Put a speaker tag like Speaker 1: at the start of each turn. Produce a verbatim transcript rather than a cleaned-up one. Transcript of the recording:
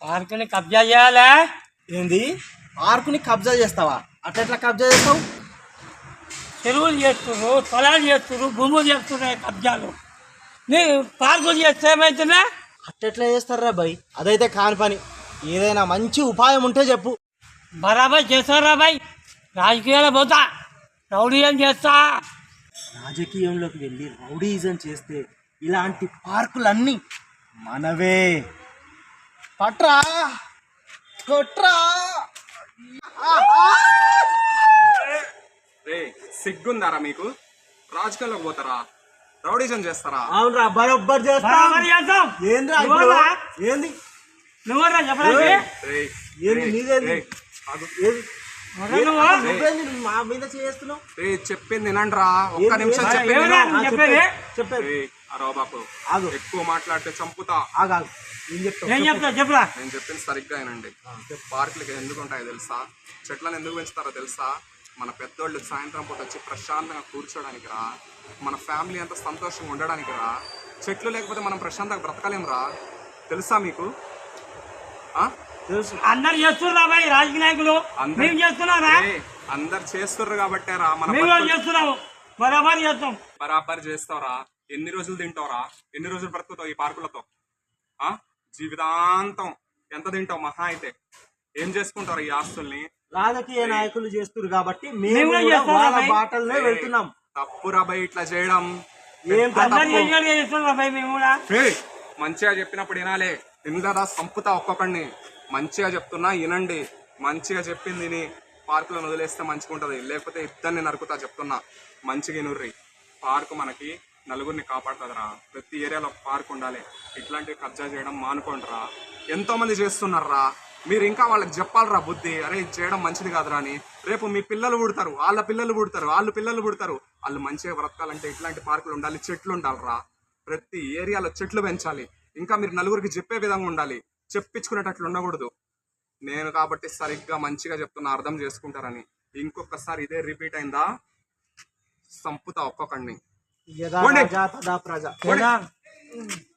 Speaker 1: పార్కుని కబ్జా చేయాలా?
Speaker 2: ఏంది పార్కుని కబ్జా చేస్తావా? అట్లా కబ్జా చేస్తావు?
Speaker 1: చెరువులు చేస్తున్నారు, పొలాలు చేస్తున్నారు, భూములు చేస్తున్నాయి కబ్జాలు. నీ పార్కులు చేస్తే ఏమవుతుందా?
Speaker 2: అట్టెట్లా చేస్తారా బాయ్? అదైతే కాని పని. ఏదైనా మంచి ఉపాయం ఉంటే చెప్పు.
Speaker 1: బరాబర్ చేస్తారా బాయ్? రాజకీయాలు పోతా, రౌడీయం చేస్తా.
Speaker 2: రాజకీయంలోకి వెళ్ళి రౌడీజం చేస్తే ఇలాంటి పార్కులన్నీ మనవే. పట్రా కొట్రా.
Speaker 3: రే సిగ్గుందారా మీకు? రాజకీయాల్లోకి పోతారా? రౌడీజం చేస్తారా?
Speaker 2: అవునరా, బరోబ్బర్ చేస్తా.
Speaker 1: బరాబర్ చేస్తాం.
Speaker 2: ఏంద్రా ఇప్పుడు?
Speaker 1: నువ్వరా?
Speaker 2: ఏంది
Speaker 1: నువ్వరా చెప్పడానికి?
Speaker 3: రేయ్,
Speaker 2: ఏంది
Speaker 3: రేయ్,
Speaker 2: నీదేంది?
Speaker 3: రేయ్, ఆగు.
Speaker 2: ఏది
Speaker 1: ఎవరా నువ్వు?
Speaker 2: నువ్వేంది మా మీద చేస్తున్నావు?
Speaker 3: రే చెప్పింది వినండిరా, ఒక్క
Speaker 2: ఏంది?
Speaker 3: నిమిషం
Speaker 2: ఆ,
Speaker 3: చెప్పింది
Speaker 1: ఏమరా
Speaker 3: విను.
Speaker 1: నువ్వు చెప్పేది?
Speaker 2: చెప్పేది
Speaker 3: రేయ్, అరవ బాపు,
Speaker 2: ఆగు.
Speaker 3: ఎక్కువ మాట్లాడితే చంపుతా.
Speaker 2: ఆగాగు. ఏం చెప్తావు?
Speaker 1: ఏం చెప్తా చెప్పురా.
Speaker 3: నేను చెప్పింది సరిగ్గా వినండి. పార్కులకి ఎందుకు ఉంటాయో తెలుసా? చెట్లను ఎందుకు పెంచుతారో తెలుసా? మన పెద్దోళ్ళు సాయంత్రం పూట వచ్చి ప్రశాంతంగా కూర్చోడానికి రా. మన ఫ్యామిలీ అంతా సంతోషంగా ఉండడానికి రా. చెట్లు లేకపోతే మనం ప్రశాంతంగా బ్రతకలేం రా. తెలుసా మీకు? ఆ
Speaker 2: తెలుసు.
Speaker 1: అందరు చేస్తున్నా బాయ్, రాజకీయ నాయకులు.
Speaker 3: అందరు-
Speaker 1: మేము చేస్తున్నారా?
Speaker 3: రేయ్, అందరు చేస్తుర్రు కాబట్టే రా మన
Speaker 1: మేము కూడా
Speaker 3: బతుకులు-
Speaker 1: చేస్తున్నాము, బరాబర్ చేస్తాం.
Speaker 3: బరాబర్ చేస్తావురా. ఎన్ని రోజులు తింటావురా? ఎన్ని రోజులు బ్రతుకుతావు ఈ పార్కులతో? ఆ జీవితాంతం ఎంత తింటావు మహా అయితే? ఏం చేసుకుంటారు ఈ ఆస్తుల్ని?
Speaker 2: రాజకీయ నాయకులు చేస్తున్నారు కాబట్టి
Speaker 1: మేము
Speaker 2: మేము
Speaker 1: కూడా
Speaker 2: కూడా
Speaker 1: చేస్తాం
Speaker 2: వాళ్ళ
Speaker 1: అబ్బాయి.
Speaker 2: బాటల్నే వెళ్తున్నాం.
Speaker 3: తప్పురా బై ఇట్లా చేయడం.
Speaker 2: ఏం
Speaker 3: పెద్ద
Speaker 1: అందరు
Speaker 3: తప్పు.
Speaker 1: చేయాలి చేస్తున్నారా బాయ్ మేము కూడా?
Speaker 3: ఏయ్, మంచిగా చెప్పినప్పుడు వినాలే. ఇందా సంపుతా ఒక్కొక్కడిని. మంచిగా చెప్తున్నా వినండి. మంచిగా చెప్పింది విని పార్కులను వదిలేస్తే మంచిగా ఉంటుంది. లేకపోతే ఇద్దరిని నరుకుతా చెప్తున్నా. మంచిగా వినుర్రి. పార్కు మనకి నలుగురిని కాపాడుతుందిరా. ప్రతి ఏరియాలో ఒక పార్క్ ఉండాలి. ఇట్లాంటివి కబ్జా చేయడం మానుకోండిరా. ఎంతో మంది చేస్తున్నారా. మీరు ఇంకా వాళ్ళకి చెప్పాలరా బుద్ధి. అరే ఇది చేయడం మంచిది కాదురా అని. రేపు మీ పిల్లలు పుడతారు, వాళ్ళ పిల్లలు పుడతారు, వాళ్ళు పిల్లలు పుడతారు. వాళ్ళు మంచిగా బ్రతకాలంటే ఇట్లాంటి పార్కులు ఉండాలి, చెట్లు ఉండాలిరా. ప్రతి ఏరియాలో చెట్లు పెంచాలి. ఇంకా మీరు నలుగురికి చెప్పే విధంగా ఉండాలి. చెప్పించుకునేటట్లు ఉండకూడదు. నేను కాబట్టి సరిగ్గా మంచిగా చెప్తున్నా, అర్థం చేసుకుంటారని. ఇంకొకసారి ఇదే రిపీట్ అయిందా సంపుతా ఒక్కొక్కడిని.
Speaker 2: యథా
Speaker 3: పోండి.
Speaker 2: రాజా తదా ప్రజ.
Speaker 1: కదా.